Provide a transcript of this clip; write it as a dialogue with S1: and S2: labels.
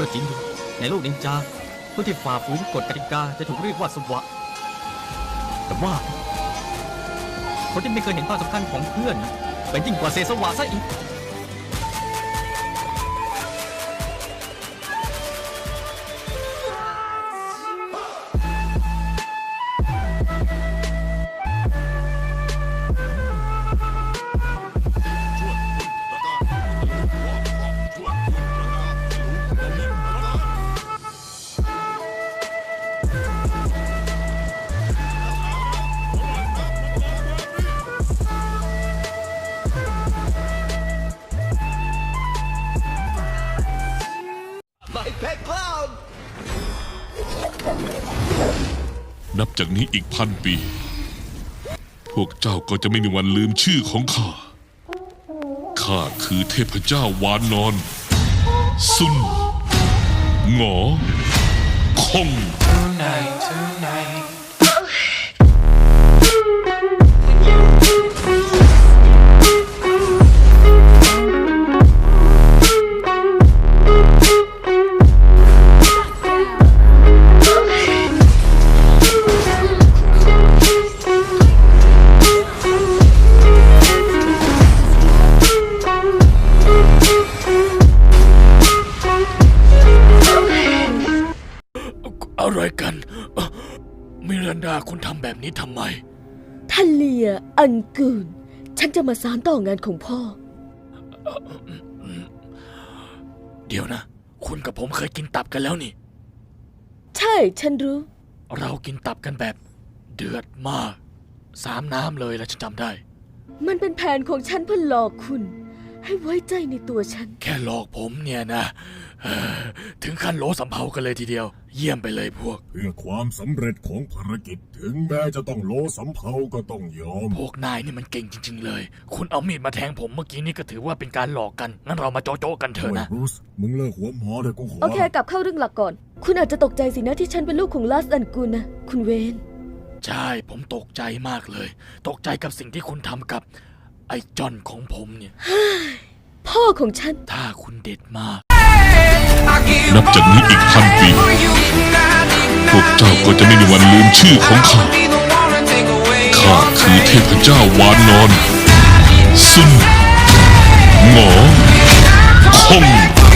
S1: ก็จริงอยู่ในโลกนินจาผู้ที่ฝ่าฝืนกฎกติกาจะถูกเรียกว่าสวะแต่ว่าคนที่ไม่เคยเห็นความสำคัญของเพื่อนเป็นยิ่งกว่าเศษสวะซะอีก
S2: นับจากนี้อีก1,000 ปี พวกเจ้าก็จะไม่มีวันลืมชื่อของข้า ข้าคือเทพเจ้าวานนอนซุนหงอคง
S3: อะไรกันมิรันดาคุณทำแบบนี้ทำไม
S4: ทันเลียอันกูนฉันจะมาสานต่องานของพ่อ
S3: เดี๋ยวนะ คุณกับผมเคยกินตับกันแล้วนี่
S4: ใช่ฉันรู้
S3: เรากินตับกันแบบเดือดมาก3 น้ำเลยแล้วฉันจำได้
S4: มันเป็นแผนของฉันเพื่อหลอกคุณ ให้ไว้ใจในตัวฉัน
S3: แค่หลอกผมเนี่ยนะถึงขั้นโลสำเภากันเลยทีเดียว เยี่ยมไปเลยพวก
S5: เพื่อความสำเร็จของภารกิจถึงแม้จะต้องโลสำเภาก็ต้องยอม
S3: พวกนายนี่มันเก่งจริงๆเลย คุณเอามีดมาแทงผมเมื่อกี้นี่ก็ถือว่าเป็นการหลอกกัน งั้นเรามาโจ๊ะๆกันเถอะ
S5: โอ้ย
S3: นะ
S5: บรูซมึงเลิกหัวหมอเลยกูขอ
S4: โอเคกลับเข้าเรื่องหลักก่อน คุณอาจจะตกใจสินะที่ฉันเป็นลูกของลาสอันกูนนะ คุณเวน
S3: ใช่ผมตกใจมากเลย ตกใจกับสิ่งที่คุณทำกับไอ้จอนของผมเนี่ย
S4: พ่อของฉัน
S3: ถ้าคุณเด็ดมาก
S2: นับจากนี้อีก1,000 ปี พวกเจ้าก็จะไม่มีวันลืมชื่อของข้า ข้าคือเทพเจ้าวานนอนซุนหงอคง